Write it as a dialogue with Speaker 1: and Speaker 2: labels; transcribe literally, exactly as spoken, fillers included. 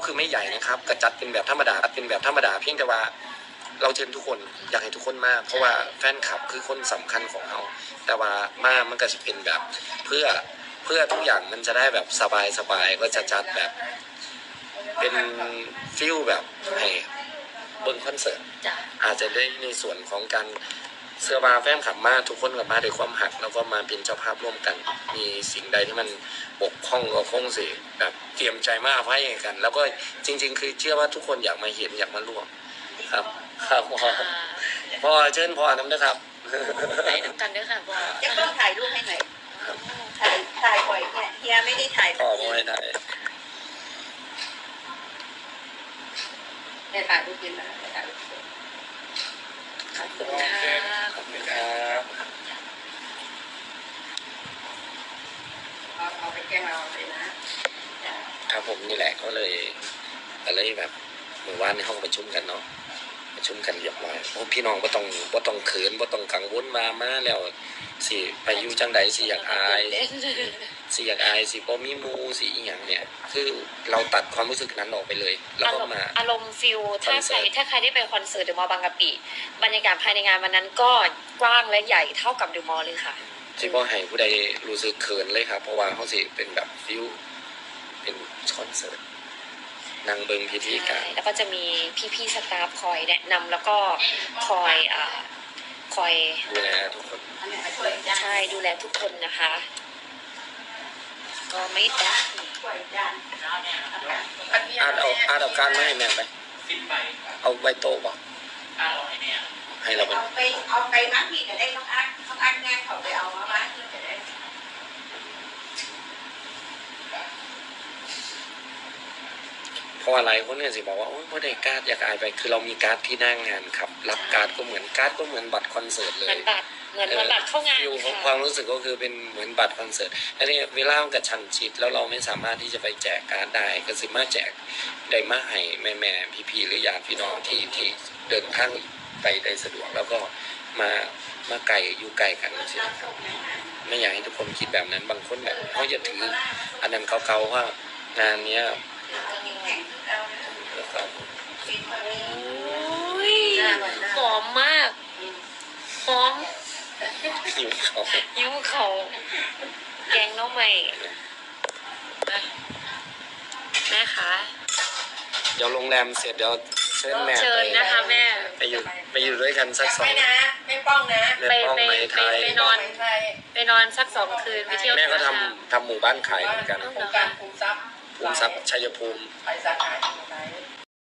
Speaker 1: คือไม่ใหญ่นะครับกระจัดเป็นแบบธรรมดาเป็นแบบธรรมดาเพียงแต่ว่าเราเชิญทุกคนอยากให้ทุกคนมาเพราะว่าแฟนคลับคือคนสำคัญของเราแต่ว่ามามันก็จะเป็นแบบเพื่อเพื่อทุกอย่างมันจะได้แบบสบายสบายก็จะจัดแบบเป็นฟิลแบบให้เบิ้งคอนเสิร์ตอาจจะได้ในส่วนของการเสื้อบาแฟนขับมาทุกคนกับมาด้วยความหักแล้วก็มาเป็นเจ้าภาพร่วมกันมีสิ่งใดที่มันบกพร่องก็คงสิแบบเตรียมใจมาอภัยกัน แล้วก็จริงๆคือเชื่อว่าทุกคนอยากมาเห็นอยากมาร่วมครับครับพ่อพ่อเชิญพ่อน้ำนะครับ
Speaker 2: ไหนน้ำกันด้วยค่ะพ่อ
Speaker 3: จะต้องถ่ายรูปให้หน่อยถ่ายถ่ายบ่อยเนี่ยเฮียไม่ได้ถ่าย
Speaker 1: พ่อไม่ได้
Speaker 3: เนี่ยถ่ายรูปกินนะถ่ายรูป
Speaker 2: ขอบคุณค่ะ
Speaker 1: ขอบคุณครับ
Speaker 3: เอาเอาไปแกงเราเลยนะครับ
Speaker 1: ผมนี่แหละก็เลยอะไรแบบเมื่อวานในห้องประชุมกันเนาะประชุมกันเรียบร้อยโอ้พี่น้องบ่ต้องบ่ต้องเขินบ่ต้องกังวลมามาแล้วสิไปอยู่จังใดสิอยากอายสิอยากอายสิบ่มีหมู่สิอีหยังเนี่ยคือเราตัดความรู้สึกนั้นออกไปเลยแล้วก็มา
Speaker 2: อารมณ์ฟิลถ้าใครถ้าใครได้ไปคอนเสิร์ตเดอะมอลล์บางกะปิบรรยากาศภายในงานวันนั้นก็กว้างและใหญ่เท่ากับเดอะมอลล์เลยค่ะ
Speaker 1: สิบ่ให้ผู้ใดรู้สึกเขินเลยครับเพราะว่าเขาสิเป็นแบบฟิลเป็นคอนเสิร์ตนั่งเบิ่งพิธีการ
Speaker 2: แล้วก็จะมีพี่ๆสตาฟคอยแนะนำแล้วก็คอยอ่าคอย
Speaker 1: ดูแลทุกคน
Speaker 2: ใช่ดูแลทุกคนนะคะก็ไม่ได้
Speaker 1: อาเอาอาเอาการมาให้แม่ไปเอาไว้โต๊ะบ่ให้เรา
Speaker 3: เอาไปเอาไปมัดพี่ก็ได้ต้องอัดต้องอัดงานเขาไปเอามาบ้านพี่ก็ได้
Speaker 1: เพราะอะไรคนเนี่ยสิบอกว่าโอ้ยพอได้การ์ดอยากอายไปคือเรามีการ์ดที่หน้างงานครับรับการ์ดก็เหมือนการ์ดก็เหมือนบัตรคอนเสิร์ตเลย
Speaker 2: เหมือนบัตรเหมือนบัตรเข้างาน
Speaker 1: ฟิลของความรู้สึกก็คือเป็นเหมือนบัตรคอนเสิร์ตอันนี้เวลามันกระชันชิดแล้วเราไม่สามารถที่จะไปแจกการ์ดได้ก็สิมาแจกได้มาให้แม่แม่พี่พี่หรือญาติพี่น้องที่ที่เดินทางไปได้สะดวกแล้วก็มามาไกลอยู่ไกลกันใช่ไหมครับไม่อยากให้ทุกคนคิดแบบนั้นบางคนแบบเขาจะถืออันนั้นเก่าๆว่างานเนี้ย
Speaker 2: หอมมากหอม
Speaker 1: ยิ้มเขา
Speaker 2: ยิ้มเขาแกงน้องใหม่แม่คะ
Speaker 1: เดี๋ยวโรงแรมเสร็จเดี๋ยวเชิญแม่
Speaker 2: เชิญนะคะแม่
Speaker 1: ไปอยู่ไปอยู่ด้วยกันสักสอง
Speaker 3: นะไม่ป้องนะ
Speaker 1: ไปไป
Speaker 2: ไปไปนอนไปนอนสักสองคืนไปเที่ยว
Speaker 1: แม่ก็ทำทำหมู่บ้านขายเหมือนกัน
Speaker 3: โครงการภูมิทรัพย์
Speaker 1: ภูมิทรัพย์ชัยภูมิ
Speaker 3: ไปสาขา